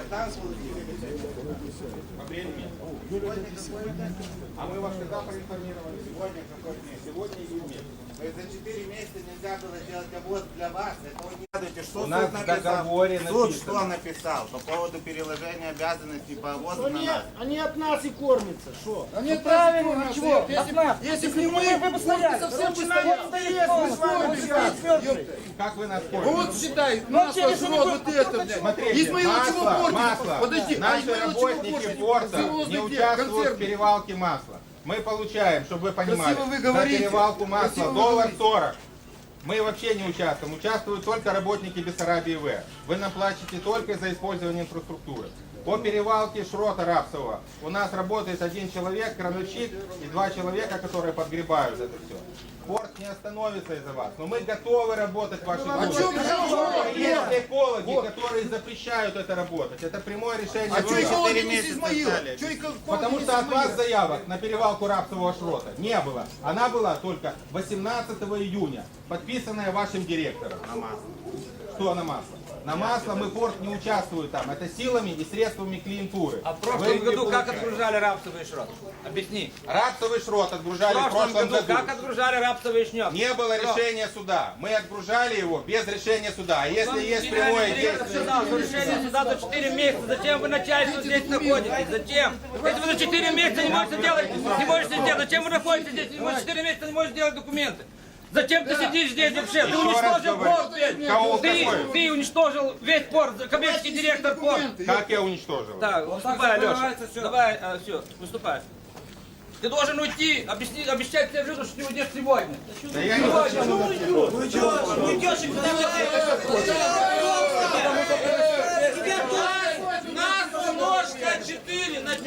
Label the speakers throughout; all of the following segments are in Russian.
Speaker 1: когда вы получили по времени? А мы вас когда проинформировали? Сегодня какой день? Сегодня июнь. То есть за 4 месяца нельзя было сделать обвоз для вас. Этого не надо. Что суд написал? Суд что написал по поводу переложения обязанностей по обвозу на нас?
Speaker 2: Они от нас и кормятся. Что?
Speaker 3: Они правильно, а чего? От нас.
Speaker 2: Если бы не мы, вы бы стояли. Совсем
Speaker 1: Как вы нас поняли?
Speaker 3: Ну вот считай, масло, шрот, вот это, блядь.
Speaker 1: Смотрите,
Speaker 3: Измаиловичего
Speaker 1: масло.
Speaker 3: Подожди,
Speaker 1: Наши работники порта не участвуют в перевалке масла. Мы получаем, чтобы вы понимали,
Speaker 3: Красиво вы
Speaker 1: за
Speaker 3: говорите.
Speaker 1: перевалку масла
Speaker 3: Красиво вы
Speaker 1: $1.40. Мы вообще не участвуем. Участвуют только работники Бессарабии В. Вы нам платите только за использование инфраструктуры. По перевалке шрота рапсового у нас работает 1 человек, крановщик и 2 человека, которые подгребают это все. Порт не остановится из-за вас, но мы готовы работать в вашей группе. Есть экологи, которые запрещают это работать. Это прямое решение.
Speaker 3: А что экологи не из Измаила?
Speaker 1: Потому что от вас заявок на перевалку рапсового шрота не было. Она была только 18 июня, подписанная вашим директором. На масло. Что на масло? На масло мы порт не участвует там. Это силами и средствами клиентуры.
Speaker 4: А в прошлом году как отгружали рапсовый шрот? Объясни.
Speaker 1: Рапсовый шрот отгружали в прошлом году.
Speaker 4: Как отгружали рапсовый шнек?
Speaker 1: Не было решения суда. Мы отгружали его без решения суда. А если есть прямое действие...
Speaker 4: Решение суда за 4 месяца. Зачем вы начальство здесь находитесь? Зачем? Если вы за 4 месяца не можете сделать, зачем вы находитесь здесь? Не можете 4 месяца не можете сделать документы. Зачем ты сидишь здесь вообще? Ты уничтожил порт весь. Ты уничтожил весь порт, коммерческий директор порта.
Speaker 1: Как я уничтожил?
Speaker 4: Так, выступай, Леша. Давай, все, выступай. Ты должен уйти, обещать всем людям, что ты уйдешь сегодня.
Speaker 1: Да я не
Speaker 4: Нас умножка 4 на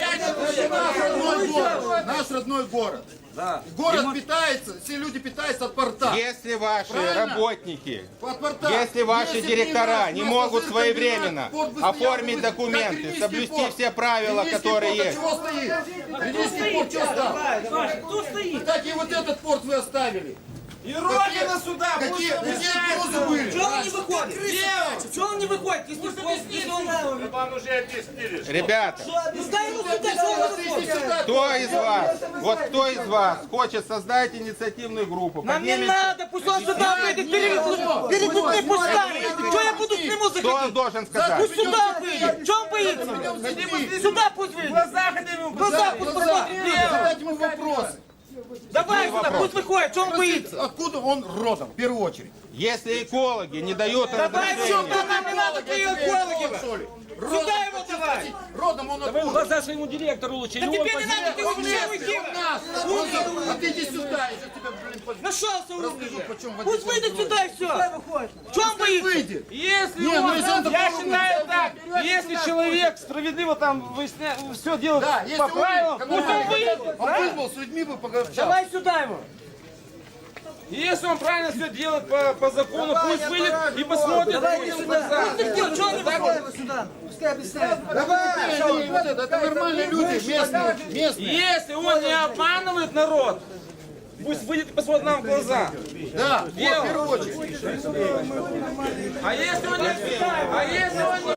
Speaker 4: 5.
Speaker 3: Наш родной город.
Speaker 4: Да.
Speaker 3: Город питается, все люди питаются от порта.
Speaker 1: Если ваши работники,
Speaker 3: От порта.
Speaker 1: если ваши
Speaker 3: Если
Speaker 1: директора
Speaker 3: не
Speaker 1: не могут
Speaker 3: масло
Speaker 1: своевременно
Speaker 3: порт быстрее
Speaker 1: оформить
Speaker 3: будет.
Speaker 1: документы,
Speaker 3: Как
Speaker 1: соблюсти
Speaker 3: порт.
Speaker 1: все правила,
Speaker 3: Ренийский
Speaker 1: которые
Speaker 3: порт,
Speaker 1: есть.
Speaker 3: Чего стоит? Ренийский порт что стал?
Speaker 2: Кто стоит?
Speaker 3: Кстати, и вот этот порт вы оставили.
Speaker 2: И Родина сюда!
Speaker 3: Какие угрозы были?
Speaker 2: Чего он не выходит? Чего он не выходит?
Speaker 5: Вам уже объяснили.
Speaker 1: Ребята,
Speaker 2: Ну дай ему сюда, чего он не выходит?
Speaker 1: кто из вас, вот кто из вас хочет создать инициативную группу?
Speaker 2: Нам не
Speaker 1: поднимите-
Speaker 2: надо, пусть он сюда выйдет, перед людьми пусть станет. Что я буду к нему
Speaker 1: Кто
Speaker 2: заходить?
Speaker 1: должен сказать?
Speaker 2: Пусть сюда выйдет. Что он боится? Сюда пусть выйдет. Глаза пусть посмотрит.
Speaker 3: Задать ему вопросы.
Speaker 2: Давай сюда, пусть выходит. Что он боится?
Speaker 3: Откуда он родом, в первую очередь?
Speaker 1: Если экологи не дают
Speaker 2: Давай
Speaker 1: разрешения,
Speaker 2: сюда, нам не надо твоих экологов. Сюда его давай.
Speaker 3: Родом он
Speaker 4: Вы в
Speaker 3: откуда?
Speaker 4: глаза своему директору лучше.
Speaker 2: Да тебе не надо, ты вообще уйди.
Speaker 3: А ты иди сюда, я тебя, блин,
Speaker 2: Нашелся
Speaker 3: расскажу,
Speaker 2: умный.
Speaker 3: почем
Speaker 2: Пусть выйдет сюда и все. Что он боится?
Speaker 3: выйдет.
Speaker 6: Если
Speaker 3: Не, ну
Speaker 6: он,
Speaker 3: если он
Speaker 6: я
Speaker 3: такой
Speaker 6: считаю
Speaker 3: умный,
Speaker 6: так, если человек справедливо там все делает
Speaker 3: Да, если
Speaker 6: по
Speaker 3: он
Speaker 6: правилам,
Speaker 3: выйдет,
Speaker 6: пусть он выйдет.
Speaker 3: он вызвал, с людьми бы поговорил.
Speaker 2: Давай сюда его.
Speaker 6: И если он правильно все делает по закону, пусть выйдет и посмотрит людям в глаза.
Speaker 2: Что он не выходит сюда? Пускай объясняет.
Speaker 3: Это нормальные люди, местные.
Speaker 6: Если он не обманывает народ, пусть выйдет и посмотрит нам в глаза.
Speaker 3: Да, в первую очередь.
Speaker 6: А если он не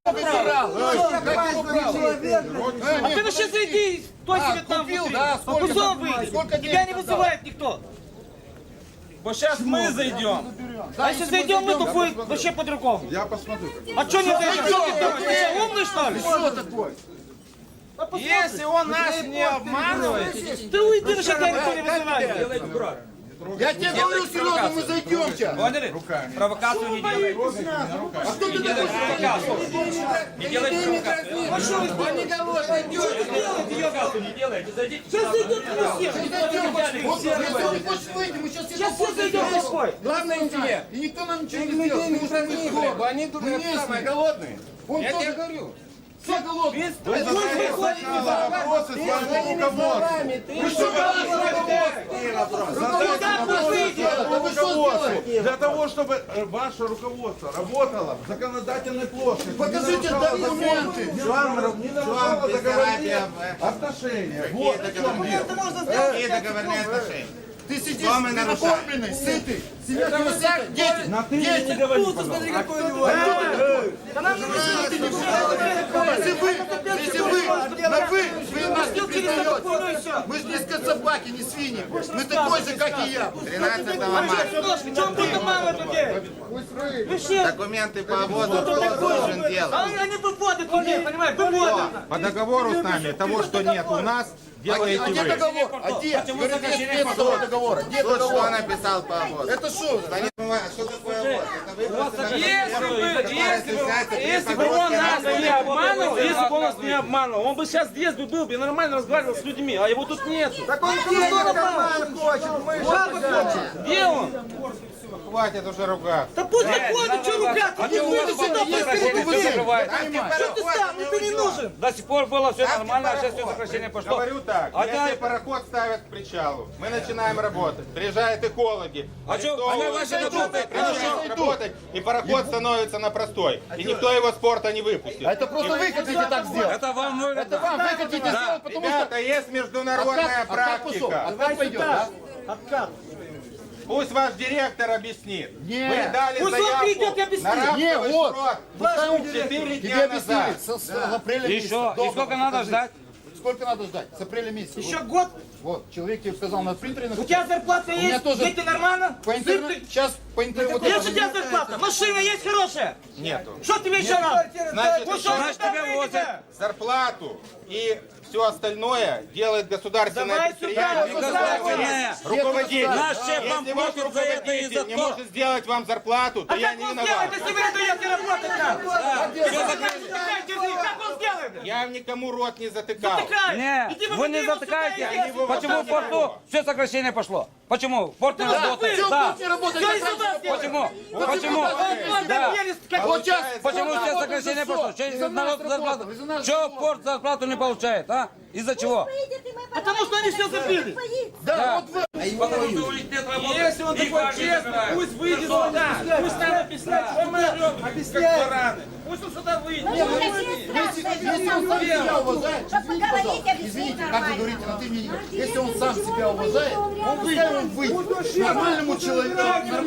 Speaker 2: А ты ну сейчас иди, кто себе там
Speaker 3: купил,
Speaker 2: внутри.
Speaker 3: да,
Speaker 2: А
Speaker 3: сколько
Speaker 2: пусть он
Speaker 3: там,
Speaker 2: выйдет.
Speaker 3: сколько
Speaker 2: Тебя
Speaker 3: денег
Speaker 2: не
Speaker 3: отдал?
Speaker 2: вызывает никто.
Speaker 6: Вот сейчас мы зайдем.
Speaker 2: А если зайдем мы, то будет вообще по-другому.
Speaker 3: Я посмотрю.
Speaker 2: А что не зайдем? Что ты думаешь, ты что, умный что ли?
Speaker 3: Что такое?
Speaker 6: Если он нас не обманывает,
Speaker 2: Ты уйди, ну что тебя никто не вызывает.
Speaker 3: Я тебе говорю, Серега, мы зайдем сейчас.
Speaker 4: Поняли? Провокацию не делайте.
Speaker 3: А что ты такой?
Speaker 4: Не делайте провокацию. Провокацию не делайте. Зайдите.
Speaker 2: Сейчас зайдем на всех.
Speaker 3: Вот, если не хочешь выйти, мы сейчас
Speaker 2: Сейчас все зайдем на свой.
Speaker 3: Главное интеллект. И никто нам ничего не сделает. Мы уже не город. Они тут самые голодные. Я тебе говорю. Все голодные.
Speaker 2: Пусть выходит сюда.
Speaker 3: Вопросы с вашим руководством. Вы что делаете?
Speaker 7: Для того, чтобы ваше руководство работало в законодательной плоскости.
Speaker 3: Покажите документы.
Speaker 7: Вам не нарушало договорные отношения. Вот в чем дело.
Speaker 1: Какие договорные отношения?
Speaker 3: Ты сидишь,
Speaker 1: Что мы
Speaker 3: ты
Speaker 1: нарушаем?
Speaker 3: накормленный, сытый. Семья тебя сытая. Дети.
Speaker 7: На ты мне не говори, пожалуйста.
Speaker 2: Да нам не нужно.
Speaker 3: Если вы нас не признаете, мы же не скотсобаки, не свиньи. Мы такой же, как и я.
Speaker 1: 13 марта.
Speaker 2: В чем тут мало людей? Вы все,
Speaker 1: Документы по вводу должен делать.
Speaker 2: они выводят людей, понимаете, выводят.
Speaker 1: По договору с нами того, что нет у нас, делаете
Speaker 3: А где
Speaker 1: вы.
Speaker 3: договор? А где? Говорит, нет этого договора. Где
Speaker 1: Тут что
Speaker 3: договор?
Speaker 1: написал по вводу?
Speaker 3: Это что?
Speaker 1: Что такое ввоз? Это вы просто
Speaker 6: Если бы он нас не обманывал, если бы он нас не обманывал, он бы сейчас здесь бы был, бы нормально разговаривал с людьми, а его тут нет.
Speaker 2: Так он карман хочет, мы хочет.
Speaker 6: Где он?
Speaker 1: хватит уже ругаться.
Speaker 2: Да пусть заходит, что ругаться, ты выйди сюда, что ты сам, ты не нужен.
Speaker 4: До сих пор было все нормально, а сейчас все сокращение пошло.
Speaker 1: Говорю так,
Speaker 4: Одна-
Speaker 1: если пароход ставят к причалу, мы начинаем работать. Приезжают экологи,
Speaker 4: А чё,
Speaker 1: арестовывают,
Speaker 4: они ваши работают,
Speaker 1: начинают работать, и пароход становится на простой. И никто его с порта не выпустит.
Speaker 3: Это просто вы хотите так сделать.
Speaker 4: Это вам нужно.
Speaker 3: Это вам вы хотите сделать, потому что...
Speaker 1: Ребята, есть международная
Speaker 3: Откат пошел,
Speaker 1: практика.
Speaker 3: откат пойдет, да?
Speaker 2: Откат.
Speaker 1: Пусть ваш директор объяснит.
Speaker 3: Нет.
Speaker 1: Вы дали
Speaker 2: Пусть он придет и
Speaker 1: заявку
Speaker 2: объяснит.
Speaker 1: на рабский
Speaker 3: Не, вот.
Speaker 1: срок
Speaker 3: Пускай
Speaker 1: 4
Speaker 3: тебе
Speaker 1: дня
Speaker 3: объяснили.
Speaker 1: назад.
Speaker 3: С апреля
Speaker 4: И
Speaker 3: месяца.
Speaker 4: что? И
Speaker 3: Договор
Speaker 4: сколько надо
Speaker 3: покажи.
Speaker 4: ждать?
Speaker 3: Сколько надо ждать? С апреля месяца.
Speaker 2: Еще год.
Speaker 3: Вот, человек тебе сказал на принтере.
Speaker 2: У тебя зарплата
Speaker 3: меня
Speaker 2: есть?
Speaker 3: тоже.
Speaker 2: Дети нормально?
Speaker 3: По интернету. Сейчас по интернету.
Speaker 2: Есть у тебя зарплата? Машина есть хорошая?
Speaker 1: Нету.
Speaker 2: Что тебе еще надо?
Speaker 1: Значит,
Speaker 2: Ну,
Speaker 1: еще
Speaker 2: что
Speaker 4: Значит,
Speaker 2: вы
Speaker 4: тебя
Speaker 2: там
Speaker 4: возят.
Speaker 2: видите?
Speaker 1: зарплату и все остальное делает государственное
Speaker 2: Давай сюда,
Speaker 1: предприятие.
Speaker 4: Государственное.
Speaker 1: Руководитель.
Speaker 4: Наш шеф вам
Speaker 1: Если ваш
Speaker 4: платит за это и за
Speaker 1: руководитель не
Speaker 4: то.
Speaker 1: может сделать вам зарплату, то
Speaker 2: А
Speaker 1: я
Speaker 2: как
Speaker 1: не
Speaker 2: он
Speaker 1: виноват.
Speaker 2: сделает, если вы не даете работать нам? Как он сделает?
Speaker 1: Я никому рот не затыкал.
Speaker 2: Затыкай.
Speaker 4: Не,
Speaker 2: Иди
Speaker 4: вы не
Speaker 2: выводи его
Speaker 4: затыкаете.
Speaker 2: сюда, иди.
Speaker 4: Почему в порту все сокращение пошло? Почему? Порт не работает.
Speaker 3: Все,
Speaker 4: Да.
Speaker 3: пусть не работает.
Speaker 2: Все,
Speaker 3: как
Speaker 2: и сюда
Speaker 3: раньше.
Speaker 2: сделай.
Speaker 4: Почему?
Speaker 3: Почему?
Speaker 4: Почему?
Speaker 2: Он
Speaker 4: Да.
Speaker 2: верит, как
Speaker 3: Вот сейчас.
Speaker 4: Почему
Speaker 3: Кто
Speaker 4: все
Speaker 3: работает
Speaker 4: сокращение
Speaker 3: за
Speaker 4: пошло?
Speaker 3: что?
Speaker 4: Что
Speaker 3: Из-за нас
Speaker 4: народ зарплату?
Speaker 3: работал, из-за нас
Speaker 4: Что
Speaker 3: работал.
Speaker 4: порт зарплату не получает, а? Из-за чего?
Speaker 2: Потому что они все забили.
Speaker 3: Да, вот вы.
Speaker 4: Потому что у них нет работы.
Speaker 6: Если он такой честный, пусть выйдет сюда. Пусть нам объясняет, что мы орем, как бараны. Пусть он сюда выйдет.
Speaker 3: Если он сам себя уважает, извините, пожалуйста, извините, как вы говорите на ты мне, если он сам себя уважает, пускай он выйдет. Нормальному человеку,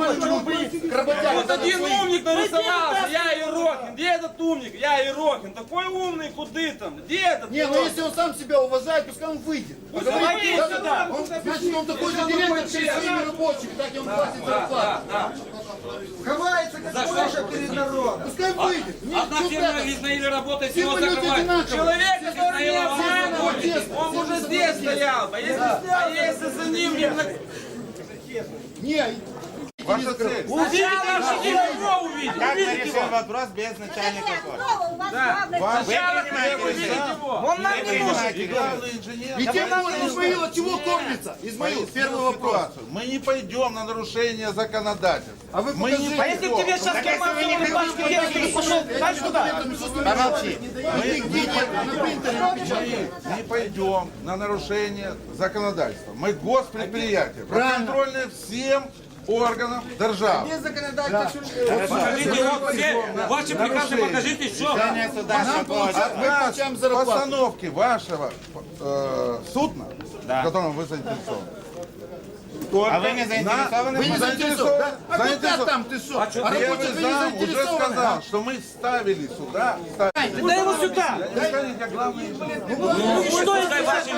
Speaker 3: к работяге.
Speaker 6: Вот один умник нарисовался, я Ерохин. Где этот умник? Я Ерохин. Такой умный, куды там? Где этот?
Speaker 3: Не, ну если он сам себя уважает, пускай он выйдет.
Speaker 2: Давайте
Speaker 3: Даже
Speaker 2: сюда.
Speaker 3: значит, он такой же директор, как и своими рабочими, так ему платит зарплату.
Speaker 7: Ховается, как Польша перед народом.
Speaker 3: Пускай выйдет. Нет,
Speaker 4: Одна
Speaker 3: что
Speaker 4: фирма
Speaker 3: это?
Speaker 4: Израиля работает,
Speaker 3: Все
Speaker 4: его
Speaker 3: мы люди
Speaker 4: закрывают.
Speaker 3: одинаковые.
Speaker 6: Человек, который не обманывает,
Speaker 3: честно.
Speaker 6: он уже здесь стоял. А если за ним не...
Speaker 3: Не,
Speaker 1: Ваша цель.
Speaker 6: Увидите, его увидите.
Speaker 1: Как мы решим вопрос без начальника школы?
Speaker 6: Сначала вы увидите его.
Speaker 2: Он нам не нужен.
Speaker 7: И главный инженер.
Speaker 3: и тем более Измаил от чего кормится? Измаил, первый вопрос.
Speaker 7: Ситуацию. Мы не пойдем на нарушение законодательства.
Speaker 3: А вы
Speaker 7: Мы не
Speaker 3: покажите.
Speaker 2: А если бы тебе сейчас карман сунул пачку денег, ты бы пошел, знаешь куда?
Speaker 3: Помолчи. Нигде нет, на принтере напечатано.
Speaker 7: Мы не пойдем на нарушение законодательства. Мы госпредприятие, подконтрольное всем органам державы.
Speaker 4: Покажите вот все ваши приказы, покажите, что.
Speaker 3: Нам получать, мы получаем зарплату.
Speaker 7: Постановки вашего судна, в котором вы заинтересованы.
Speaker 1: А вы не заинтересованы?
Speaker 3: Вы не заинтересованы, да? А куда там ты что? А
Speaker 7: Первый
Speaker 3: работать вы не
Speaker 7: зам уже
Speaker 3: заинтересованы?
Speaker 7: сказал, что мы ставили сюда.
Speaker 2: Дай его сюда.
Speaker 7: Скажите, а главный инженер.
Speaker 2: Что
Speaker 4: Пускай ваши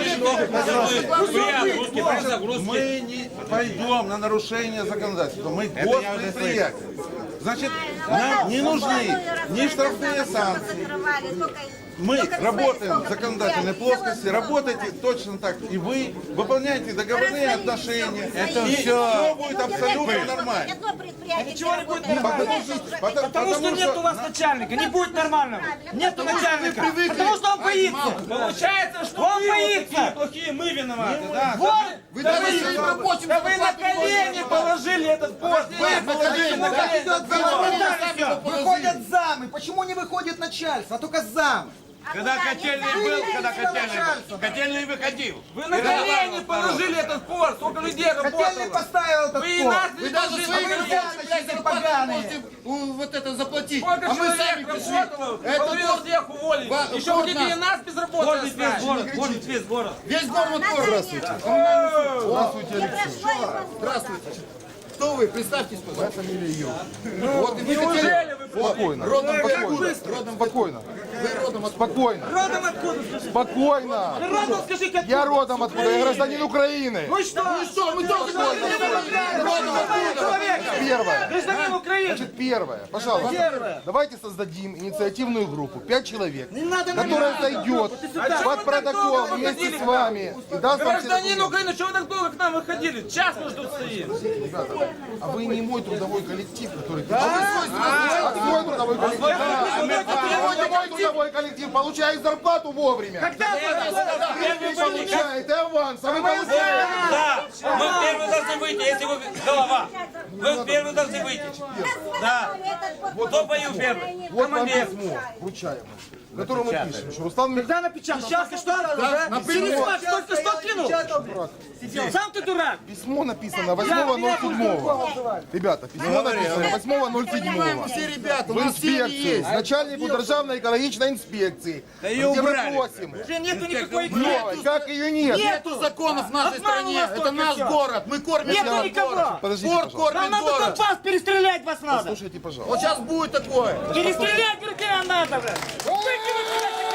Speaker 4: мешки русские загрузки.
Speaker 7: Мы не пойдем на нарушение законодательства. Мы госпредприятие. Значит, нам не нужны ни штрафные санкции. Мы работаем в законодательной плоскости, работайте точно так и вы, выполняйте договорные отношения. Это все будет абсолютно нормально.
Speaker 2: Ничего не будет нормально.
Speaker 7: Потому
Speaker 2: Потому что нет у вас начальника, не будет нормального. Нету начальника. Потому что он боится.
Speaker 6: Получается, что
Speaker 2: Он
Speaker 6: вы вот
Speaker 2: боится.
Speaker 6: такие плохие, мы виноваты, да?
Speaker 2: Вот.
Speaker 3: Вы даже своим рабочим
Speaker 6: Да вы на колени положили этот пост. Вы положили на колени.
Speaker 7: Выходят замы. Почему не выходит начальство, а только зам?
Speaker 5: Когда котельный был, котельный выходил.
Speaker 6: Вы на колени положили этот пост. Сколько людей работало.
Speaker 7: поставил этот
Speaker 6: Вы и нас
Speaker 3: Вы
Speaker 6: не
Speaker 3: даже
Speaker 6: должны
Speaker 3: своим
Speaker 6: поговорить.
Speaker 3: рабочим зарплату можете вот это заплатить.
Speaker 6: Сколько
Speaker 3: А мы сами
Speaker 6: человек
Speaker 3: пришли.
Speaker 6: работало,
Speaker 3: Это
Speaker 6: половину
Speaker 3: вот
Speaker 6: всех уволили.
Speaker 3: Ва-
Speaker 6: Еще
Speaker 3: вот
Speaker 6: хотите
Speaker 3: нас.
Speaker 6: и нас без работы
Speaker 4: Ходит весь
Speaker 6: оставить.
Speaker 4: город, ходит весь город.
Speaker 3: весь город тоже. Здравствуйте. Здравствуйте, Алексей. Здравствуйте. Кто вы? Представьтесь, пожалуйста. Вот, и вы хотели...
Speaker 6: Неужели вы
Speaker 7: Спокойно.
Speaker 3: Родом
Speaker 7: Спокойно.
Speaker 3: Родом
Speaker 7: Спокойно.
Speaker 3: Спокойно.
Speaker 2: Родом откуда, скажи?
Speaker 3: Спокойно.
Speaker 2: Ты родом скажи, как
Speaker 3: Я родом откуда? Я гражданин Украины.
Speaker 2: Ну и что?
Speaker 3: Мы только Первое.
Speaker 2: Гражданин Украины.
Speaker 3: Значит, первое. Пожалуйста.
Speaker 2: Первое.
Speaker 3: Давайте создадим инициативную группу. 5 человек.
Speaker 2: Не надо на
Speaker 3: Которая
Speaker 2: меня.
Speaker 3: зайдет под протокол вместе с вами и даст вам все
Speaker 6: Гражданин
Speaker 3: документы.
Speaker 6: Украины, что вы так долго к нам выходили? Час мы тут стоим.
Speaker 3: Ребята, а вы не мой трудовой коллектив, который... А твой трудовой коллектив? Мой трудовой коллектив получает зарплату вовремя. Не получает, и аванс, а вы получаете.
Speaker 4: Да, мы первые должны выйти, если вы голова. Вы первые должны выйти. Да. Кто поил первый?
Speaker 3: Вот вам
Speaker 4: Командир.
Speaker 3: письмо вручаемое, в котором мы пишем, что Руслан Михайлович...
Speaker 2: Когда напечатал? Сейчас ты что? Только что кинул? Сам ты дурак.
Speaker 3: Письмо написано 8.07. Ребята, письмо написано 8.07. Все ребята, в инспекцию, начальнику Державной экологичной инспекции, где мы просим,
Speaker 2: Уже нету никакой
Speaker 3: новой, как ее нет.
Speaker 2: Нету
Speaker 3: законов в нашей
Speaker 2: стране, это наш
Speaker 3: город, мы кормим
Speaker 2: Нету никого.
Speaker 3: Подождите, пожалуйста.
Speaker 2: Нам надо компас перестрелять вас надо.
Speaker 3: Слушайте, пожалуйста. Вот сейчас будет такое.
Speaker 2: Перестрелять, говорит, надо, блядь. Выкинуть, блядь.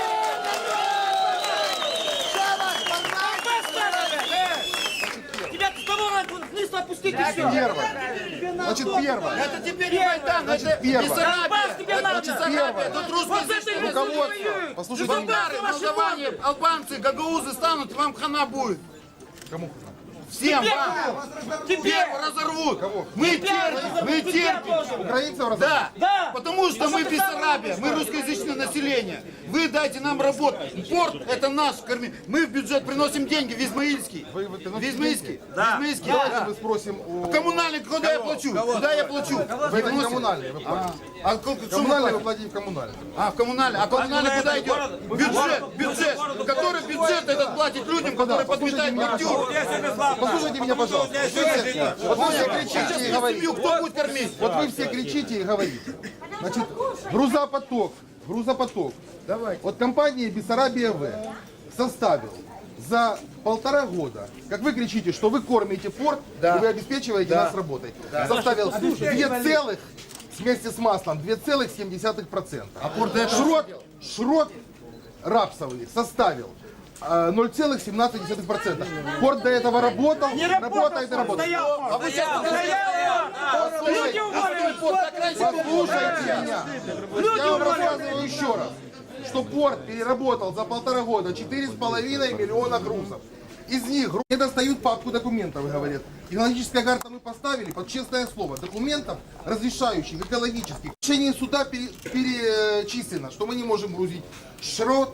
Speaker 2: Тебя с того надо вниз опустить и все.
Speaker 3: Первое. Значит, первое.
Speaker 2: Это тебе не Майдан,
Speaker 3: Значит, первое.
Speaker 2: Компас тебе надо.
Speaker 3: Первое.
Speaker 2: Вот это и
Speaker 3: Руководство.
Speaker 2: воюют.
Speaker 3: Послушайте
Speaker 2: И
Speaker 3: меня.
Speaker 2: солдаты ваши воюют.
Speaker 3: Албанцы, гагаузы станут, вам хана будет. Кому хана? Всем вам.
Speaker 2: Тебе.
Speaker 3: Разорвут. Мы терпим. Украинцев разорвут?
Speaker 2: Да.
Speaker 3: Потому что мы Бессарабия, мы русскоязычное население. Вы дайте нам работать. Порт это наш корми. Мы в бюджет приносим деньги в Измаильский. В Измаильский. Да. Давайте мы спросим у... Коммунальный, куда я плачу? Куда я плачу? Вы это не коммунальный, вы платите. Коммунальный вы платите в коммунальный. В коммунальный. А коммунальный куда идет? Бюджет. Который бюджет этот платит людям, которые подметают бордюр. Послушайте меня, пожалуйста. Вот вы все кричите и говорите. Кто будет кормить? Вот вы все кричите и говорите. Значит, грузопоток. Давайте. Вот компания Бессарабия В составил за 1,5 года, как вы кричите, что вы кормите порт, и вы обеспечиваете нас работой, составил 2 целых, вместе с маслом, 2,7%. А порт шрот рапсовый составил 0,17%. Порт до этого работал, работает и работает.
Speaker 2: А вы сейчас люди уволили.
Speaker 3: Послушайте меня. Я вам рассказываю еще раз, что порт переработал за 1,5 года 4,5 миллиона грузов. Из них не достают папку документов, говорят. Технологическая карта мы поставили под честное слово. Документов, разрешающих экологических. В решении суда перечислено, что мы не можем грузить шрот,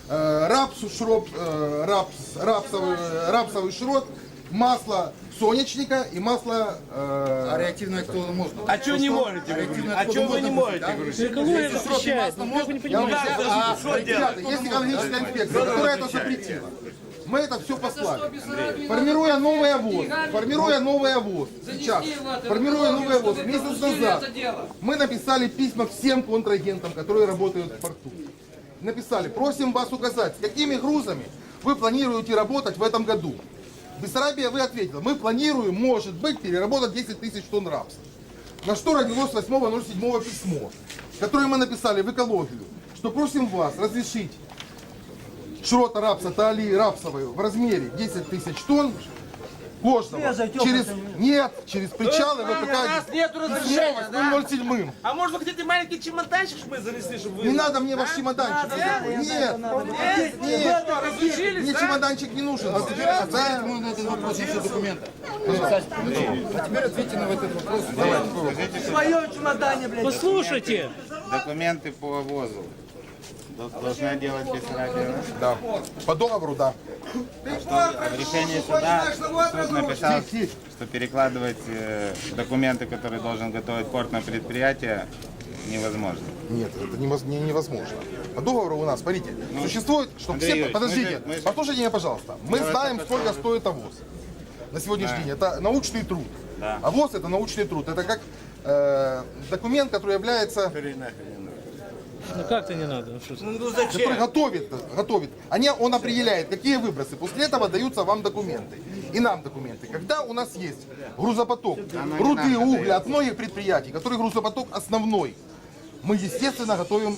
Speaker 3: рапсовый шрот, масло сонячника и масло... А реактивное кто можно?
Speaker 5: А что не можете? А что вы не можете?
Speaker 2: Экология запрещает. Вы не понимаете.
Speaker 3: Ребята, есть экологическая инспекция, которая это запретила. Мы это все послали. Формируя новый ОВОЗ, сейчас, месяц назад, мы написали письма всем контрагентам, которые работают в порту. Написали, просим вас указать, с какими грузами вы планируете работать в этом году. Бессарабия вы ответила, мы планируем, может быть, переработать 10 тысяч тонн рапса. На что родилось 8.07 письмо, которое мы написали в экологию, что просим вас разрешить шрота рапса, талии рапсовой в размере 10 тысяч тонн кожного через причалы ВПК.
Speaker 6: У нас нету разрешения, да?
Speaker 3: 007.
Speaker 6: А может вы хотите маленький чемоданчик, чтобы мы занесли, чтобы вы...
Speaker 3: Не надо мне ваш чемоданчик. Нет, мне чемоданчик не нужен. Ответьте ему на этот вопрос еще документы. А теперь ответьте на этот вопрос.
Speaker 2: В своем чемодане, блядь. Послушайте.
Speaker 1: Документы по ВОЗу должна делать Бессарабия.
Speaker 3: Да. По договору, да.
Speaker 1: В решении суда суд написал, что перекладывать документы, которые должен готовить портное предприятие, невозможно.
Speaker 3: Нет, это невозможно. По договору у нас, смотрите, существует, чтобы
Speaker 1: Андрей
Speaker 3: все...
Speaker 1: Юрьевич,
Speaker 3: Подождите,
Speaker 1: мы же-
Speaker 3: послушайте меня, пожалуйста. Мы знаем, сколько стоит ОВОЗ на сегодняшний день. Это научный труд.
Speaker 1: Да.
Speaker 3: ОВОЗ это научный труд. Это как документ, который является...
Speaker 2: Ну как-то не надо.
Speaker 3: который готовит. Он определяет, какие выбросы. После этого даются вам документы. И нам документы. Когда у нас есть грузопоток, руды, угля от многих предприятий, который грузопоток основной, мы, естественно, готовим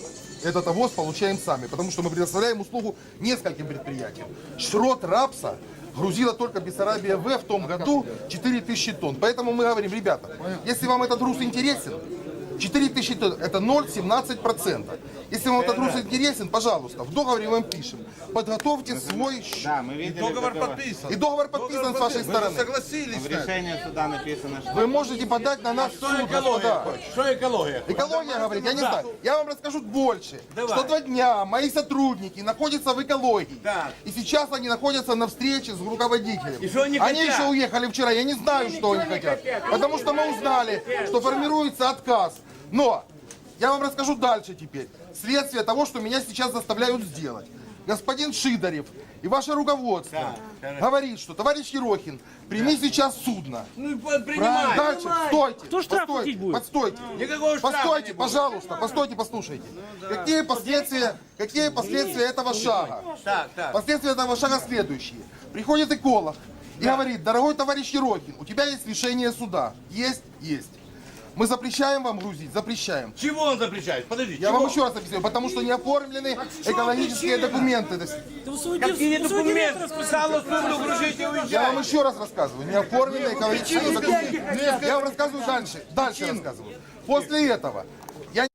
Speaker 3: этот овоз получаем сами, потому что мы предоставляем услугу нескольким предприятиям. Шрот рапса грузила только Бессарабия В том году 4000 тонн. Поэтому мы говорим, ребята, если вам этот груз интересен, 4000 тонн это 0,17%. Если вам этот груз интересен, пожалуйста, в договоре мы вам пишем. Подготовьте свой счет.
Speaker 1: Да, мы видели
Speaker 7: Договор
Speaker 1: договор.
Speaker 7: подписан.
Speaker 3: И договор подписан с вашей
Speaker 7: Вы же
Speaker 3: стороны.
Speaker 7: согласились.
Speaker 1: В решении суда написано, что...
Speaker 3: Вы можете подать на нас в суд, господа.
Speaker 5: Что экология?
Speaker 3: Экология говорит, я не знаю. Я вам расскажу больше. Что 2 дня мои сотрудники находятся в экологии.
Speaker 5: Так.
Speaker 3: И сейчас они находятся на встрече с руководителем.
Speaker 5: И что они
Speaker 3: Они
Speaker 5: хотят?
Speaker 3: еще уехали вчера. Я не знаю, что они хотят. Потому что мы узнали, что формируется отказ. Но я вам расскажу дальше теперь. Следствие того, что меня сейчас заставляют сделать. Господин Шидарев и ваше руководство говорит, что товарищ Ерохин, прими сейчас судно.
Speaker 5: Ну,
Speaker 3: Правильно.
Speaker 5: принимай.
Speaker 3: Дальше, стойте.
Speaker 2: Кто штраф
Speaker 3: постойте,
Speaker 2: платить будет?
Speaker 3: Постойте.
Speaker 5: Никакого штрафа
Speaker 3: Постойте,
Speaker 5: не будет.
Speaker 3: пожалуйста, постойте, послушайте. Какие последствия этого шага?
Speaker 5: Так.
Speaker 3: Последствия этого шага следующие. Приходит эколог и говорит, дорогой товарищ Ерохин, у тебя есть решение суда. Есть. Мы запрещаем вам грузить, запрещаем.
Speaker 5: Чего он запрещает? Подожди,
Speaker 3: Я
Speaker 5: чего?
Speaker 3: вам еще раз объясню, потому что не оформлены экологические документы.
Speaker 5: Какие документы? Списало суду, грузите и
Speaker 3: Я
Speaker 5: уезжай.
Speaker 3: вам еще раз рассказываю, не оформлены экологические документы. Я вам рассказываю дальше. Дальше рассказываю. После этого я...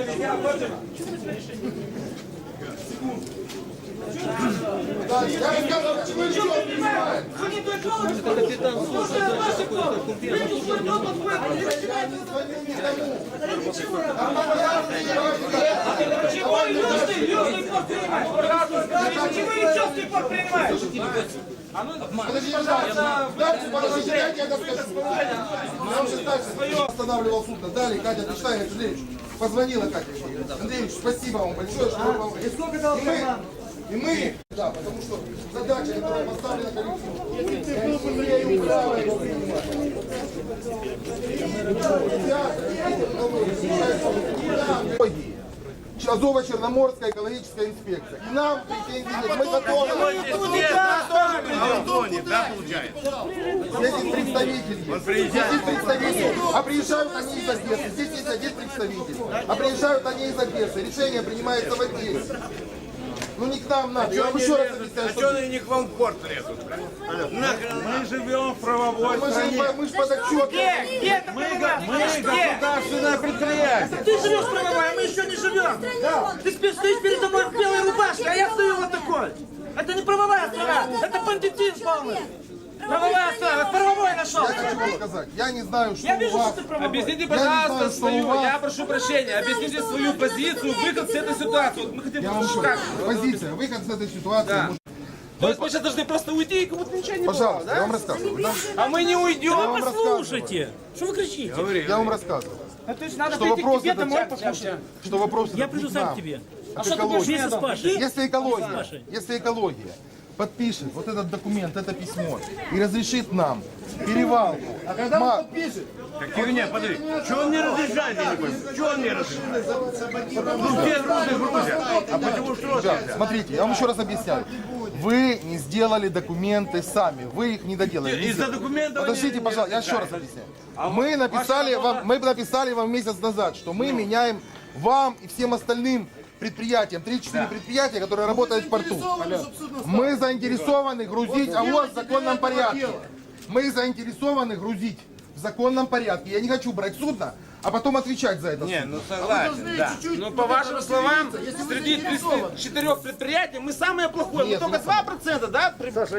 Speaker 3: Подожди, пожалуйста. Дальше, подождите, я тебе расскажу. Я вам сейчас дальше останавливал судно. Далее Катя пришла, я Андреевич, позвонила Катя. Андреевич, спасибо вам большое, что вы помогли. И мы, да, потому что задача, которая поставлена коллективу, я имею право его принимать. Азово-Черноморская экологическая инспекция. И нам претензий нет. Мы готовы.
Speaker 5: Антоний, да, получается?
Speaker 3: Здесь представитель есть. Здесь есть представитель. А приезжают они из Одессы. Здесь есть один представитель. А приезжают они из Одессы. Решение принимается в Одессе. Ну не к нам надо. Я вам еще раз объясняю,
Speaker 5: А что они не к вам в порт лезут?
Speaker 7: Мы живем в правовой стране.
Speaker 3: мы же под отчетом.
Speaker 2: Где это правовая?
Speaker 7: Мы государственное предприятие.
Speaker 2: Ты живешь правовая, а мы еще не живем. Ты стоишь передо мной в белой рубашке, а я стою вот такой. Это не правовая страна, это бандитизм полный. Правовая страна, правовой нашел.
Speaker 3: Я хочу вам сказать. Я не знаю, что
Speaker 2: Я
Speaker 3: у
Speaker 2: вижу,
Speaker 3: вас.
Speaker 2: что ты правовой.
Speaker 6: Объясните,
Speaker 3: Я не
Speaker 6: пожалуйста,
Speaker 3: знаю, что
Speaker 6: свою,
Speaker 3: у вас.
Speaker 6: я прошу прощения, объясните свою позицию, выход с этой ситуации. Вот мы хотим
Speaker 3: Я вам
Speaker 6: послушать,
Speaker 3: говорю,
Speaker 6: как.
Speaker 3: позиция, выход с этой ситуации.
Speaker 6: Да.
Speaker 3: может-
Speaker 6: То есть мы сейчас должны просто уйти, и как будто ничего не было,
Speaker 3: Пожалуйста, я
Speaker 6: да?
Speaker 3: вам рассказываю. Да?
Speaker 6: А мы не
Speaker 3: Я
Speaker 6: уйдем.
Speaker 3: вам рассказываю.
Speaker 2: Послушайте, что вы кричите?
Speaker 3: Я вам рассказываю.
Speaker 2: То есть надо
Speaker 3: Что
Speaker 2: прийти к
Speaker 3: вопрос
Speaker 2: тебе
Speaker 3: это-
Speaker 2: домой послушать.
Speaker 3: Что вопрос
Speaker 2: Я
Speaker 3: этот
Speaker 2: приду
Speaker 3: не
Speaker 2: сам
Speaker 3: нам,
Speaker 2: к тебе.
Speaker 3: от
Speaker 2: Что ты будешь
Speaker 3: экологии.
Speaker 2: вместе с Пашей?
Speaker 3: Если экология подпишет вот этот документ, это письмо и разрешит нам перевалку. А когда он подпишет?
Speaker 5: Херня, подожди. Что он не разрешает, я не пойму? Что он не разрешает? Ну, все грузы грузят. А почему что
Speaker 3: Ребят, смотрите, я вам еще раз объясняю. Вы не сделали документы сами, вы их не доделали. не
Speaker 5: Из-за
Speaker 3: сделали.
Speaker 5: документов
Speaker 3: Подождите,
Speaker 5: они
Speaker 3: пожалуйста, я
Speaker 5: не
Speaker 3: еще раз объясняю. Мы написали вам месяц назад, что мы меняем вам и всем остальным предприятиям, 3-4 предприятия, которые работают в порту. Мы заинтересованы грузить АВОЗ в законном порядке. Мы заинтересованы грузить в законном порядке. Я не хочу брать судно, а потом отвечать за это.
Speaker 5: Не,
Speaker 3: судно.
Speaker 5: ну согласен, да.
Speaker 6: Ну, по вашим словам, среди 34 предприятий мы самые плохое. Мы
Speaker 3: Нет,
Speaker 6: только
Speaker 3: ну,
Speaker 6: 2%, да?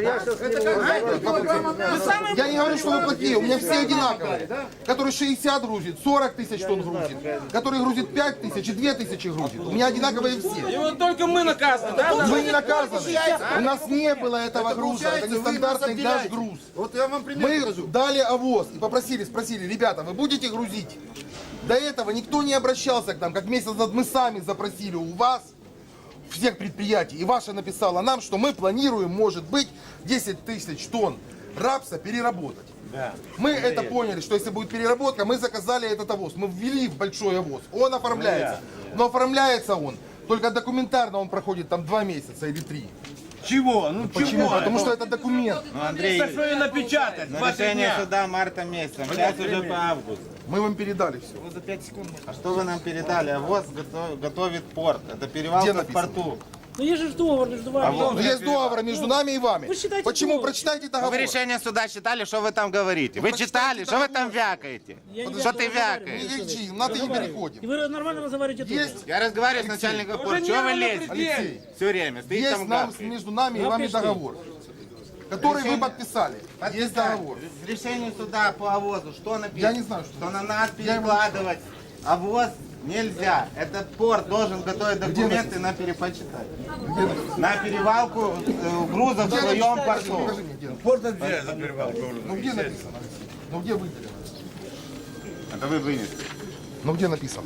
Speaker 6: Мы самые
Speaker 3: Я не говорю, что вы плохие, у меня все одинаковые. Который 60 грузит, 40 тысяч тонн грузит, который грузит 5 тысяч и 2 тысячи грузит. У меня одинаковые
Speaker 6: И
Speaker 3: все.
Speaker 6: вот только мы наказаны, да?
Speaker 3: Вы не наказаны. У нас не было этого груза, это не стандартный наш груз. Вот я вам Мы дали АВОЗ и спросили, ребята, вы будете грузить? До этого никто не обращался к нам, как месяц назад мы сами запросили у вас, всех предприятий, и ваша написала нам, что мы планируем, может быть, 10 тысяч тонн рапса переработать. Мы это поняли, что если будет переработка, мы заказали этот АВОЗ, мы ввели в большой АВОЗ, он оформляется. Но оформляется он, только документарно он проходит там 2 месяца или 3.
Speaker 5: Чего? Ну
Speaker 3: Почему?
Speaker 5: чего?
Speaker 3: Потому что это документ.
Speaker 5: Так что и напечатать. 20
Speaker 8: Решение
Speaker 5: дня.
Speaker 8: суда марта месяца, сейчас уже по августу.
Speaker 3: Мы вам передали все.
Speaker 8: А что вы нам передали? АВОЗ готовит порт. Это перевалка в
Speaker 3: написано?
Speaker 8: порту.
Speaker 2: Ну есть же договор между вами.
Speaker 3: Ну, есть договор между нами и вами.
Speaker 2: Вы считайте
Speaker 3: Почему?
Speaker 2: договор.
Speaker 3: Прочитайте
Speaker 8: Вы
Speaker 3: договор.
Speaker 8: решение суда читали, что вы там говорите? Вы читали, что вы там вякаете?
Speaker 2: Я не
Speaker 8: Что
Speaker 2: вякаю,
Speaker 8: ты
Speaker 2: разговариваю.
Speaker 8: вякаешь?
Speaker 3: Не кричи, на ты не
Speaker 2: И
Speaker 3: переходим.
Speaker 2: вы нормально разговариваете тоже.
Speaker 3: Есть,
Speaker 8: Я разговариваю с начальником порта. Чего вы лезете?
Speaker 3: Алексей,
Speaker 8: Все время. Стоит
Speaker 3: есть
Speaker 8: там
Speaker 3: нам,
Speaker 8: гавкает.
Speaker 3: между нами и вами договор, который вы подписали. Есть договор.
Speaker 8: В решении суда по АВОЗу что написано?
Speaker 3: Я не знаю, что
Speaker 8: на нас
Speaker 3: Я его
Speaker 8: перекладывать АВОЗ нельзя. Этот порт должен готовить документы на перепочитать. На перевалку грузов в своем порту.
Speaker 3: Покажи мне, где.
Speaker 5: Порт отделяет за перевалку.
Speaker 3: Ну где написано? Ну где выделено?
Speaker 8: Это вы вынесли.
Speaker 3: Ну где написано?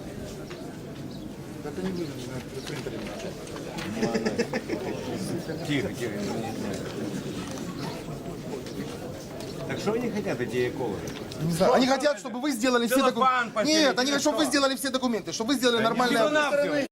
Speaker 5: Тихо, тихо. Так что они хотят, эти экологи?
Speaker 3: Не знаю. Они хотят, чтобы вы сделали все
Speaker 5: Целлофан
Speaker 3: документы.
Speaker 5: постелить
Speaker 3: Нет, они
Speaker 5: или
Speaker 3: хотят, чтобы
Speaker 5: что?
Speaker 3: вы сделали все документы, чтобы вы сделали нормальное...
Speaker 5: Всего-навсего.